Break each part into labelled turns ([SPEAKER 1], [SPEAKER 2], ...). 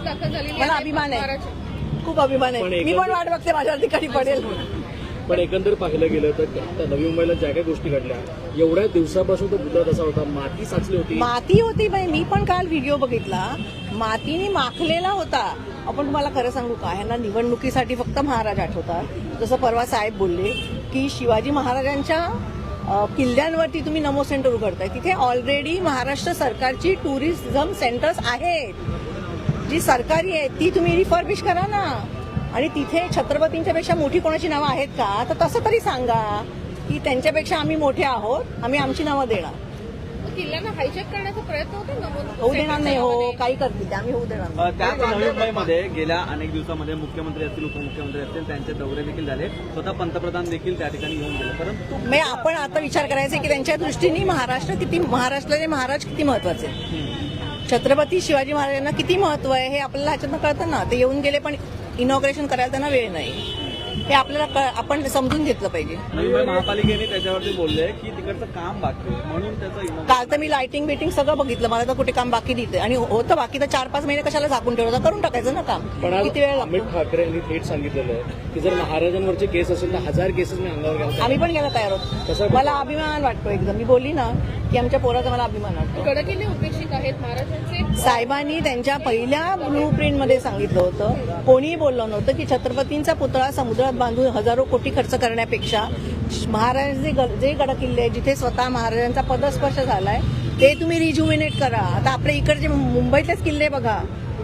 [SPEAKER 1] दाखल झालेली
[SPEAKER 2] मला अभिमान आहे, खूप अभिमान आहे. मी पण वाट बघते माझ्यावरती कधी पडेल.
[SPEAKER 3] पण एकंदर पाहिलं गेलं तर नवी मुंबईला ज्या काही गोष्टी घडल्या एवढ्या दिवसापासून तो मुद्दा तसा होता, माती साचली होती.
[SPEAKER 2] माती होती बाई, मी पण काल व्हिडिओ बघितला, मातीने माखलेला होता. आपण तुम्हाला खरं सांगू का, ह्यांना निवडणुकीसाठी फक्त महाराज आठवतात. जसं परवा साहेब बोलले की शिवाजी महाराजांच्या किल्ल्यांवरती तुम्ही नमो सेंटर उघडताय, तिथे ऑलरेडी महाराष्ट्र सरकारची टुरिझम सेंटर्स आहेत, जी सरकारी आहेत, ती तुम्ही रिफर्बिश करा ना. आणि तिथे छत्रपतींच्या पेक्षा मोठी कोणाची नावं आहेत का, तर तसं तरी सांगा की त्यांच्यापेक्षा आम्ही मोठे आहोत, आम्ही आमची नावं देणार.
[SPEAKER 1] किल्ल्यांना हायजॅक करण्याचा प्रयत्न होतो,
[SPEAKER 2] होऊ देणार नाही. हो, काही करतील ते, आम्ही होऊ देणार नाही.
[SPEAKER 4] त्याच नवी मुंबईमध्ये गेल्या अनेक दिवसामध्ये मुख्यमंत्री असतील, उपमुख्यमंत्री असतील, त्यांचे दौरे देखील झाले. स्वतः पंतप्रधान देखील त्या ठिकाणी येऊन गेले. परंतु
[SPEAKER 2] आपण आता विचार करायचा की त्यांच्या दृष्टीने महाराष्ट्राचे महाराज किती महत्वाचे, छत्रपती शिवाजी महाराजांना किती महत्व आहे हे आपल्याला ह्याच्यातनं कळतं ना. ते येऊन गेले पण इनॉग्रेशन करायला त्यांना वेळ नाही, हे आपल्याला आपण समजून घेतलं पाहिजे.
[SPEAKER 4] मुंबई महापालिकेने त्याच्यावरती बोलले की तिकडचं काम बाकी आहे, म्हणून त्याचं
[SPEAKER 2] काल तर मी लाइटिंग बिटिंग सगळं बघितलं, मला तर कुठे काम बाकी दिसतंय. आणि होतं बाकी तर 4-5 महिने कशाला झाकून ठेवलं, करून टाकायचं ना काम.
[SPEAKER 3] पण आज
[SPEAKER 2] किती वेळ
[SPEAKER 3] अमित ठाकरे यांनी थेट सांगितलेलं आहे की जर महाराजांवरचे केस असेल तर 1000 केसेस मी अंगावर घ्यायला.
[SPEAKER 2] आम्ही पण घ्यायला तयार आहोत. मला अभिमान वाटतो एकदम. मी बोलली ना की आमच्या पोराचा मला अभिमान वाटतो.
[SPEAKER 1] गडकिल्ले उपेक्षित आहेत महाराजांचे.
[SPEAKER 2] साहेबांनी त्यांच्या पहिल्या ब्लू प्रिंट मध्ये सांगितलं होतं, कोणीही बोललं नव्हतं की छत्रपतींचा पुतळा समुद्रात बांधून हजारो कोटी खर्च करण्यापेक्षा महाराजांचे जे गडकिल्ले आहेत, जिथे स्वतः महाराजांचा पदस्पर्श झालाय, ते तुम्ही रिज्युमिनेट करा. आता आपल्या इकडचे मुंबईतलेच किल्ले बघा,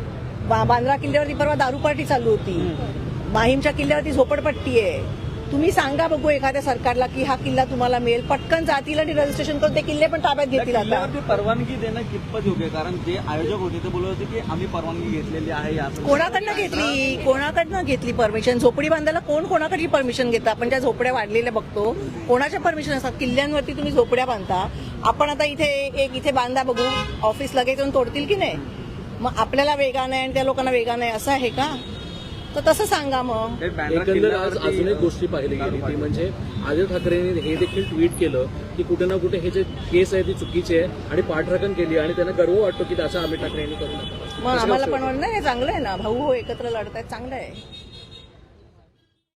[SPEAKER 2] बांद्रा किल्ल्यावरती परवा दारू पार्टी चालू होती, माहीमच्या किल्ल्यावरती झोपडपट्टी आहे. तुम्ही सांगा बघू एखाद्या सरकारला की हा किल्ला तुम्हाला मिळेल, पटकन जातील आणि रजिस्ट्रेशन करून ते किल्ले पण ताब्यात घेतील. आता
[SPEAKER 4] परवानगी देणं कितपत योग्य, कारण जे आयोजक होते ते बोलत होते की आम्ही परवानगी घेतलेली आहे.
[SPEAKER 2] कोणाकडनं घेतली परमिशन? झोपडी बांधायला कोणाकडची परमिशन घेतं? आपण ज्या झोपड्या वाढलेल्या बघतो, कोणाच्या परमिशन असतात? किल्ल्यांवरती तुम्ही झोपड्या बांधता. आपण आता इथे बांधा बघू, ऑफिस लगेच येऊन तोडतील की नाही? मग आपल्याला वेगा नाही आणि त्या लोकांना वेगा नाही, असं आहे का? तर तसं सांगा मग.
[SPEAKER 3] एकंदर आज अजून एक गोष्टी पाहिली गेली ती म्हणजे आदित्य ठाकरेंनी हे देखील ट्विट केलं की कुठे ना कुठे हे जे केस आहे ती चुकीची आहे आणि पाठराखण केली आणि त्यांना गर्व वाटतो की असं अमित ठाकरे यांनी करू नका.
[SPEAKER 2] मग आम्हाला पण नाही, चांगलं आहे ना, भाऊ एकत्र लढतायत, चांगलं आहे.